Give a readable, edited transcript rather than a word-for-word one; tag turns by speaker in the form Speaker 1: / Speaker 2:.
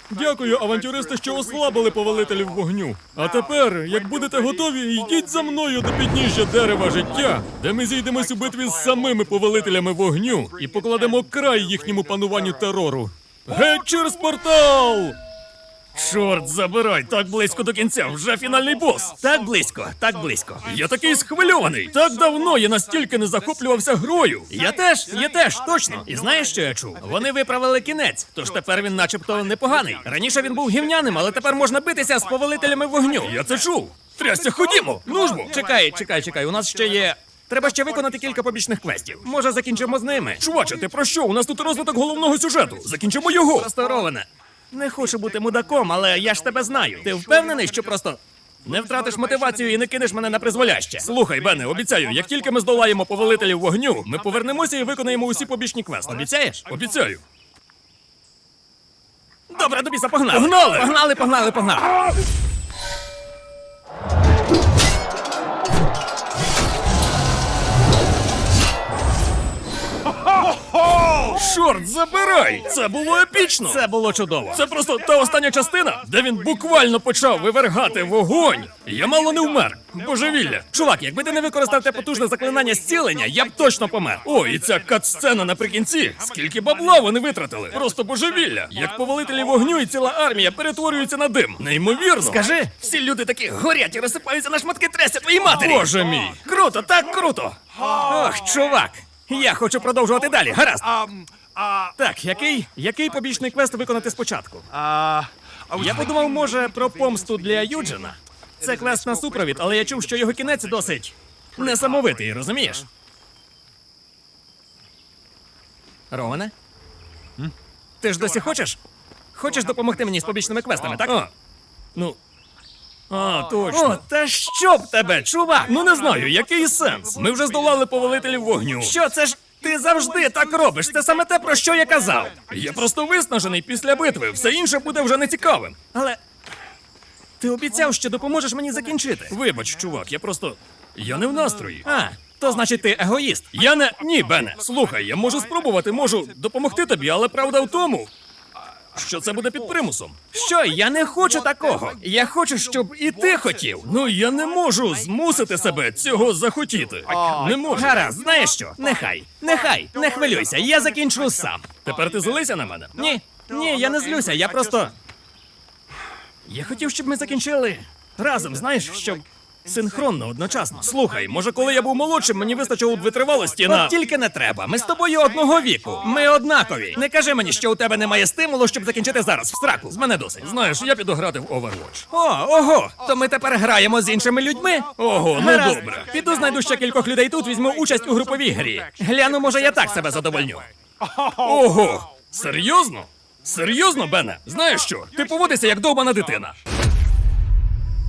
Speaker 1: Дякую, авантюристи, що ослабили повелителів вогню. А тепер, як будете готові, йдіть за мною до підніжжя дерева життя, де ми зійдемось у битві з самими повелителями вогню і покладемо край їхньому пануванню терору. Геть через портал! Чорт забирай, так близько до кінця, вже фінальний бос. Так близько, так близько. Я такий схвильований. Так давно я настільки не захоплювався грою. Я теж, точно. І знаєш, що я чув? Вони виправили кінець, тож тепер він начебто непоганий. Раніше він був гівняним, але тепер можна битися з повелителями вогню. Я це чув. Трясся, ходімо, ну ж бо. Чекай, у нас ще є... Треба ще виконати кілька побічних квестів. Може, закінчимо з ними? Чуваче, ти про що? У нас тут розвиток головного сюжету. Закінчимо його. Просто, Ровене, не хочу бути мудаком, але я ж тебе знаю. Ти впевнений, що просто не втратиш мотивацію і не кинеш мене на призволяще? Слухай, Бене, обіцяю, як тільки ми здолаємо повелителів вогню, ми повернемося і виконаємо усі побічні квести. Обіцяєш? Обіцяю. Добре, до біса, погнали! Погнали! Чорт забирай! Це було епічно! Це було чудово! Це просто та остання частина, де він буквально почав вивергати вогонь! Я мало не вмер! Божевілля! Чувак, якби ти не використав те потужне заклинання зцілення, я б точно помер! О, і ця кат-сцена наприкінці! Скільки бабла вони витратили! Просто божевілля! Як повелителі вогню і ціла армія перетворюються на дим! Неймовірно! Скажи, всі люди такі горять і розсипаються на шматки трясся твоїй матері! Боже мій! Круто, так круто! Ох, чувак! Я хочу продовжувати далі, гаразд! Так, який побічний квест виконати спочатку? Я подумав, може, про помсту для Юджина. Це квест на супровід, але я чув, що його кінець досить несамовитий, розумієш? Роване? Ти ж досі хочеш? Хочеш допомогти мені з побічними квестами, так? Точно. О, та що б тебе, чувак? Ну не знаю, який сенс? Ми вже здолали повелителів вогню. Що, це ж ти завжди так робиш? Це саме те, про що я казав. Я просто виснажений після битви, все інше буде вже нецікавим. Але ти обіцяв, що допоможеш мені закінчити. Вибач, чувак, я не в настрої. То значить ти егоїст. Ні, Бене, слухай, я можу спробувати, можу допомогти тобі, але правда в тому, що це буде під примусом. Що? Я не хочу такого. Я хочу, щоб і ти хотів. Ну, я не можу змусити себе цього захотіти. Не можу. Гаразд, знаєш що? Нехай, не хвилюйся, я закінчу сам. Тепер ти злися на мене? Ні, я не злюся, я просто... Я хотів, щоб ми закінчили разом, знаєш, щоб... Синхронно, одночасно. Слухай, може, коли я був молодшим, мені вистачило б витривалості на... От тільки не треба. Ми з тобою одного віку. Ми однакові. Не кажи мені, що у тебе немає стимулу, щоб закінчити зараз в сраку. З мене досить. Знаєш, я піду грати в Overwatch. Ого! То ми тепер граємо з іншими людьми? Ого, ну добре. Піду знайду ще кількох людей тут, візьму участь у груповій грі. Гляну, може, я так себе задовольню. Ого! Серйозно? Серйозно, Бене? Знаєш що? Ти поводишся як довбана дитина.